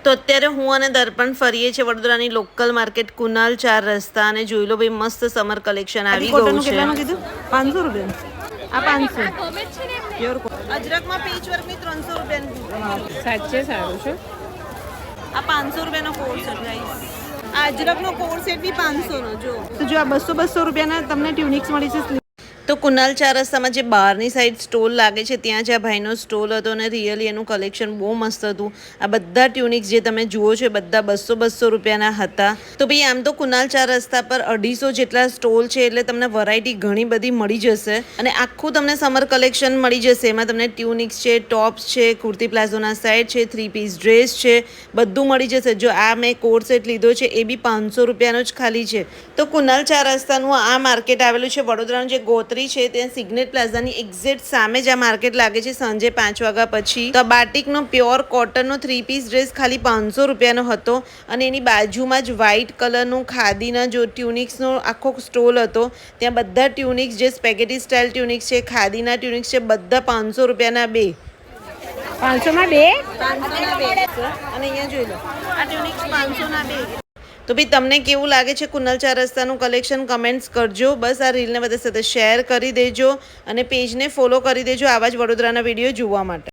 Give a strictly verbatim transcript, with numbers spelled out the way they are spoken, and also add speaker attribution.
Speaker 1: તો અત્યારે હું અને દર્પણ ફરીએ છીએ વડોદરાની લોકલ માર્કેટ કુનાલ ચાર રસ્તા અને જોઈ લો ભાઈ મસ્ત સમર કલેક્શન આવી ગયું છે. કેટલાનું કીધું? પાંચસો રૂપિયા. આ પાંચસો પ્યોર અજરકમાં પેચ વર્કની ત્રણસો રૂપિયાની
Speaker 2: સાચે સારું છે.
Speaker 1: આ પાંચસો રૂપિયાનો કોર્સ સેટ ગાઈસ. આ અજરકનો કોર્સ સેટ બી પાંચસો નો જો. તો જો આ બસો બસો રૂપિયાના તમને ટ્યુનિક્સ મળી છે. તો કુનાલ ચાર રસ્તામાં જે બહારની સાઈડ સ્ટોલ લાગે છે ત્યાં જે આ ભાઈનો સ્ટોલ હતો અને રિયલી એનું કલેક્શન બહુ મસ્ત હતું. આ બધા ટ્યુનિક્સ જે તમે જુઓ છો એ બધા બસો બસો રૂપિયાના હતા. તો ભાઈ આમ તો કુનાલ ચાર રસ્તા પર અઢીસો જેટલા સ્ટોલ છે એટલે તમને વેરાયટી ઘણી બધી મળી જશે અને આખું તમને સમર કલેક્શન મળી જશે. એમાં તમને ટ્યુનિક્સ છે, ટોપ્સ છે, કુર્તી પ્લાઝોના સેટ છે, થ્રી પીસ ડ્રેસ છે, બધું મળી જશે. જો આ મેં કોટ સેટ લીધો છે એ બી પાંચસો રૂપિયાનો જ ખાલી છે. તો કુનાલ ચાર રસ્તાનું આ માર્કેટ આવેલું છે વડોદરાનું જે ગોત્રી છે ત્યાં સિગ્નેટ પ્લાઝાની એક્ઝેક્ટ સામે જ આ માર્કેટ લાગે છે સાંજે પાંચ વાગ્યા પછી. તો આ બાટિકનો પ્યોર કોટનનો થ્રી પીસ ડ્રેસ ખાલી પાંચસો રૂપિયાનો હતો અને એની બાજુમાં જ વ્હાઇટ કલરનું ખાદીના જો ટ્યુનિક્સનો આખો સ્ટોલ હતો. ત્યાં બધા ટ્યુનિક્સ જે સ્પેગેટી સ્ટાઇલ ટ્યુનિક્સ છે, ખાદીના ટ્યુનિક્સ છે, બધા પાંચસો રૂપિયાના બે.
Speaker 2: પાંચસોમાં બે
Speaker 1: પાંચસોના બે અને અહીંયા જોઈ લો આ ટ્યુનિક્સ પાંચસોના બે. તો ભાઈ તમને કેવું લાગે છે કુનાલ ચાર રસ્તાનું કલેક્શન કમેન્ટ્સ કરજો. બસ આ રીલને બધા સાથે શેર કરી દેજો અને પેજને ફોલો કરી દેજો આવા જ વડોદરાના વિડીયો જોવા માટે.